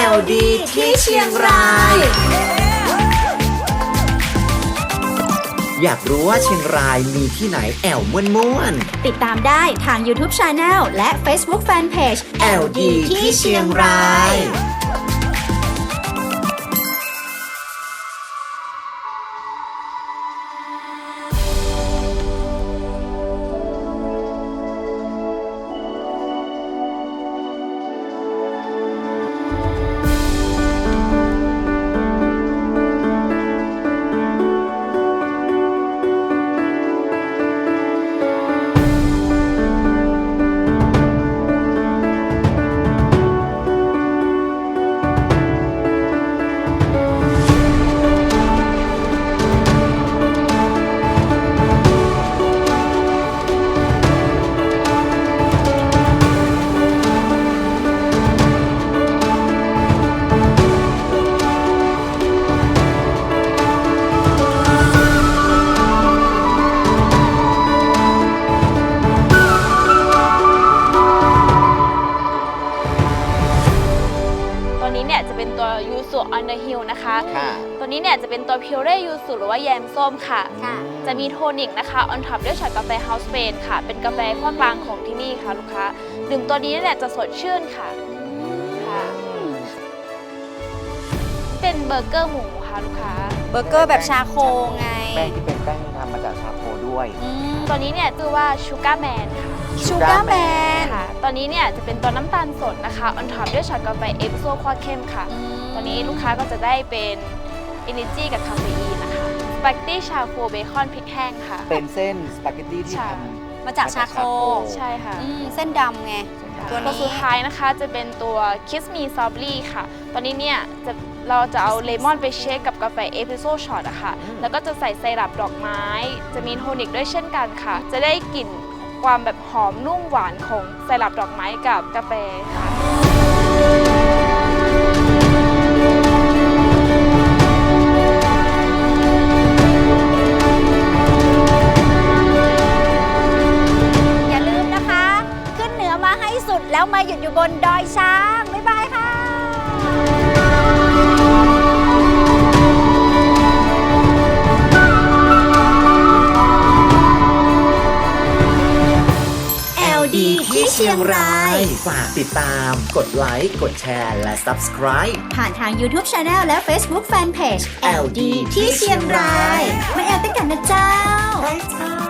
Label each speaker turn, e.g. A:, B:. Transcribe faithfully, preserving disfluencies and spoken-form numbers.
A: ล ดี ที่เชียงราย อยากรู้ว่าเชียงรายมีที่ไหนแอลม่วนๆ
B: ติดตามได้ทาง YouTube Channel และ Facebook Fanpage
A: แอล ดี ที่เชียงราย
C: ยูสุ on the hill นะคะตัวนี้เนี่ยจะเป็นตัวพิวเร่ยูสุหรือว่าแยมส้มค่ะจะมีโทนิกนะคะ on top ด้วยช็อตกาแฟ House Made ค่ะเป็นกาแฟขั้วกลางของที่นี่ค่ะลูกค้าดื่มตัวนี้เนี่ยจะสดชื่นค่ะค่ะเป็นเบอร์เกอร์หมูค่ะลูกค้า
B: เบอร์เกอร์แบบชาโคไง
D: แป้งที่เป็นแป้งทำมาจากชาโคด้วย
C: ตัวนี้เนี่ยชื่อว่าชูการ์แมนค่ะ
B: ชูการ์แมน
C: ค่ะตอนนี้เนี่ยจะเป็นตัวน้ำตาลสดนะคะ on top ด้วยช็อตกาแฟเอสเปรสโซ่ขั้วเข้มค่ะตอนนี้ลูกค้าก็จะได้เป็น Energy กับคาเฟอีนนะคะสปาเกตตี้ชาโคเบคอนพริกแห้งค่ะ
D: เป็นเส้นสปาเกตตี้ที่ท
B: ำมาจากชาโค
C: ใช่ค่ะ
B: เส้นดำไง
C: ตัวนี้สุดท้ายนะคะจะเป็นตัว Kiss Me Strawberry ค่ะตอนนี้เนี่ยจะเราจะเอาเลมอนไปเชคกับกาแฟเอสเปรสโซ่ช็อตอะค่ะแล้วก็จะใส่ไซรัปดอกไม้จะมีโทนิกด้วยเช่นกันค่ะจะได้กลิ่นความแบบหอมนุ่มหวานของไซรัปดอกไม้กับกาแฟค่ะ
B: อย่าลืมนะคะขึ้นเหนือมาให้สุดแล้วมาหยุดอยู่บนดอยช้างบ๊ายบายค่ะ
A: ที่เชียงรายฝากติดตามกดไลค์กดแชร์และ Subscribe
B: ผ่านทาง YouTube Channel และ Facebook Fanpage
A: แอล ดี ที่เชียงราย
B: มาแอลด้วยกันนะเจ้า
A: ใช่เจ้า